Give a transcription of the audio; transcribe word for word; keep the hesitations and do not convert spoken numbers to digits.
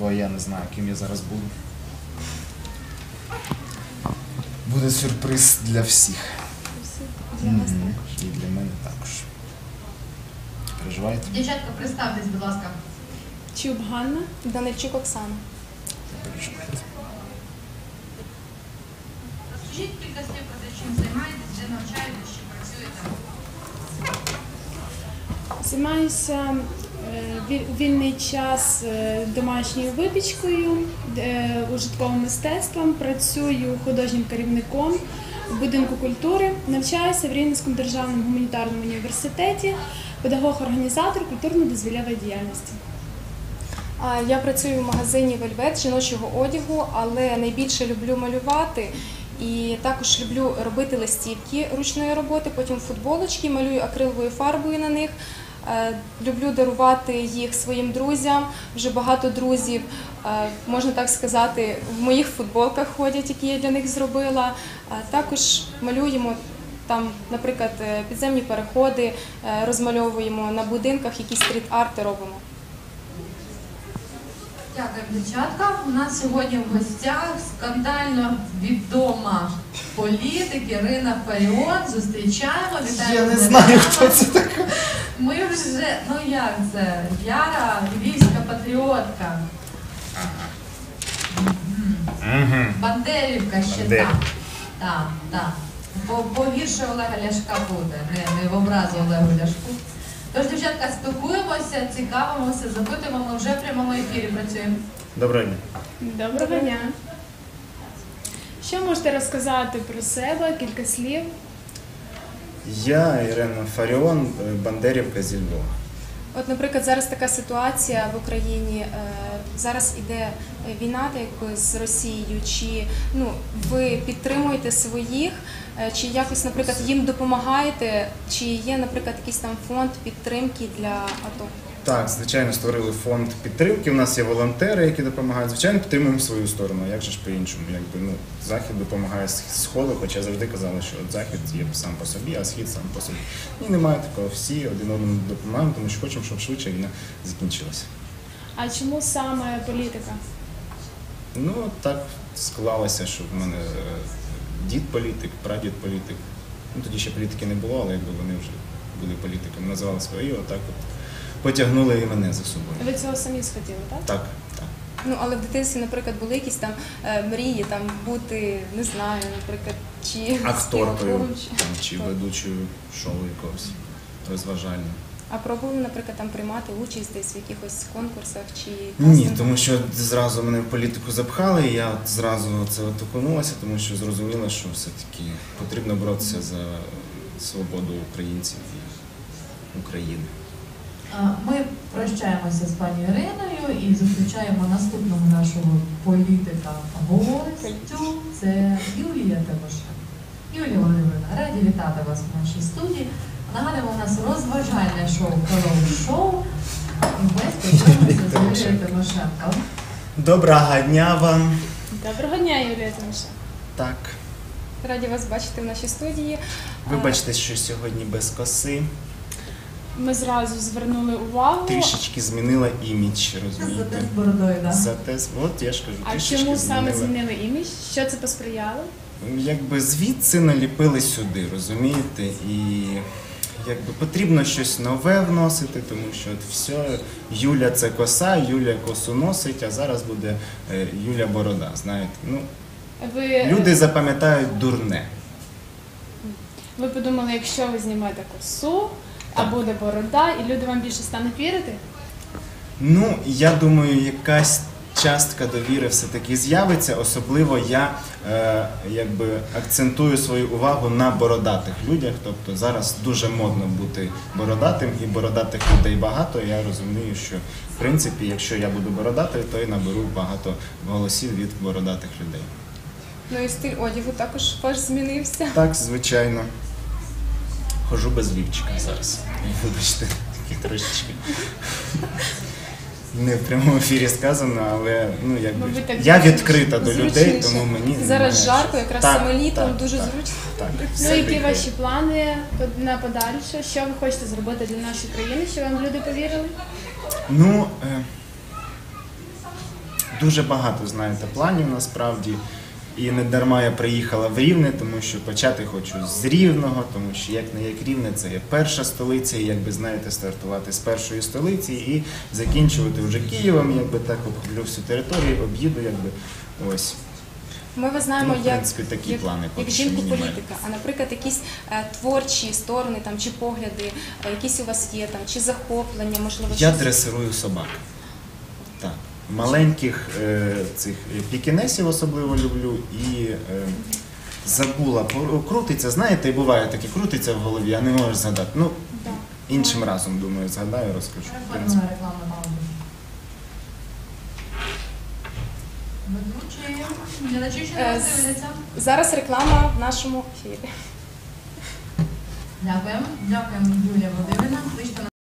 бо я не знаю, ким я зараз буду. Буде сюрприз для всіх. Для вас Мгм. також. І для мене також. Переживаєте? Дівчатка, представтесь, будь ласка. Чуб Ганна, Данильчук Оксана. Переживаєте. Розкажіть кілька слів про те, чим займаєтесь, де навчаєтесь, чи працюєте? Займаюся е, віль- вільний час е, домашньою випічкою, е, ужитковим мистецтвом, працюю художнім керівником в будинку культури, навчаюся в Рівненському державному гуманітарному університеті, педагог-організатор культурно-дозвіллєвої діяльності. А, Я працюю в магазині «Вельвет» жіночого одягу, але найбільше люблю малювати і також люблю робити листівки ручної роботи, потім футболочки, малюю акриловою фарбою на них. Е, Люблю дарувати їх своїм друзям. Вже багато друзів, е, можна так сказати, в моїх футболках ходять, які я для них зробила. Е, Також малюємо там, наприклад, е, підземні переходи, е, розмальовуємо на будинках, якісь стріт-арти робимо. Дякую, дівчатка. У нас сьогодні в гостях скандально відома політик Ірина Фаріон. Зустрічаємо, вітаємо. Я не з знаю, нами. хто це така. Ми вже, ну як це, яра львівська патріотка. Мгм. Бандерівка ще Бандерівка. там. Так, так. Бо погірше Олега Ляшка буде, не, не в образу Олегу Ляшку. Тож, дівчатка, спілкуємося, цікавимося, запитуємо, ми вже в прямому ефірі працюємо. Доброго дня. Доброго дня. Що можете розказати про себе, кілька слів? Я Ірина Фаріон, Бандерівка зі Львова. От, наприклад, зараз така ситуація в Україні, е, зараз іде війна так якби з Росією, чи ну, ви підтримуєте своїх, е, чи якось, наприклад, їм допомагаєте, чи є, наприклад, якийсь там фонд підтримки для АТО? Так, звичайно, створили фонд підтримки. У нас є волонтери, які допомагають. Звичайно, підтримуємо свою сторону. Як же ж по-іншому? Якби, ну, Захід допомагає з Сходу, хоча завжди казали, що от Захід є сам по собі, а Схід сам по собі. І немає такого. Всі один одному допомагаємо, тому що хочемо, щоб швидше війна закінчилася. А чому саме політика? Ну, так склалося, що в мене е, дід політик, прадід політик. Ну, тоді ще політики не було, але якби вони вже були політиками, називали свої, отак от потягнули і мене за собою. Ви цього самі схотіли, так? Так, так. Ну, але в дитинстві, наприклад, були якісь там е, мрії, там бути, не знаю, наприклад, чи Акторкою співаком, чи- там, чи ведучою шоу якогось розважального. А пробували, наприклад, там приймати участь десь в якихось конкурсах чи Ні, кастингах? тому що зразу мене в політику запхали, і я от зразу це от окунулася, тому що зрозуміла, що все-таки потрібно боротися за свободу українців і України. А, Ми прощаємося з пані Іриною і зустрічаємо наступного нашого політика-гостю. Це Юлія Тимошенко. Юлія Володимирівна, раді вітати вас в нашій студії. Нагадуємо, у нас розважальне шоу «Колоу Шоу». І ми спілкуємося з Юлією Тимошенко. Доброго дня вам! Доброго дня, Юлія Тимошенко. Так, Раді вас бачити в нашій студії. вибачте, що сьогодні без коси. Ми зразу звернули увагу. Трішечки змінила імідж, Зате розумієте? з бородою, так? Зате, от я ж кажу, А трішечки чому саме змінила. змінили імідж? Що це посприяло? Якби звідси наліпили сюди, розумієте? І якби потрібно щось нове вносити, тому що от все, Юля це коса, Юля косу носить, а зараз буде е, Юля Борода, знаєте. Ну, Ви, люди запам'ятають дурне. ви подумали, якщо ви знімете косу, а Так. буде борода, і люди вам більше стануть вірити? Ну, я думаю, якась частка довіри все-таки з'явиться, особливо я е, якби акцентую свою увагу на бородатих людях, тобто зараз дуже модно бути бородатим, і бородатих людей багато, я розумію, що в принципі, якщо я буду бородатий, то і наберу багато голосів від бородатих людей. Ну і стиль одягу також ваш змінився. Так, звичайно. Хожу без лівчика зараз. Вибачте, такі трошечки. Не в прямому ефірі сказано, але ну якби Мабуть, так я зручніше. відкрита до людей, Зручніше. тому мені Зараз немає жарко, що- якраз Так, саме літом, так, дуже так, зручно. Так, Ну, все які прикольно. ваші плани на подальше? Що ви хочете зробити для нашої країни, щоб вам люди повірили? Ну, е, дуже багато, знаєте, планів насправді. І не дарма я приїхала в Рівне, тому що почати хочу з Рівного, тому що як не як Рівне, це є перша столиця, і якби знаєте, стартувати з першої столиці і закінчувати вже Києвом, якби так обхоплю всю територію, об'їду, якби ось. Ми вас знаємо Ну, в як, принципі, такі як, плани як поки що жінку мінімальні. політика, а наприклад, якісь е, творчі сторони там чи погляди, е, якісь у вас є там, чи захоплення, можливо, Я щось? дресирую собак. Так. Маленьких е, цих пікінесів особливо люблю і е, забула, пор- крутиться, знаєте, і буває таке, крутиться в голові, а не можеш згадати. Ну, Да. іншим разом, думаю, згадаю, розкажу. В принципі. Переходимо на рекламну паузу. Ведучі, глядачі, що Е, нас з- дивляться. Зараз реклама в нашому ефірі. Дякуємо. Дякуємо, Юлія Володимирівна. Кличте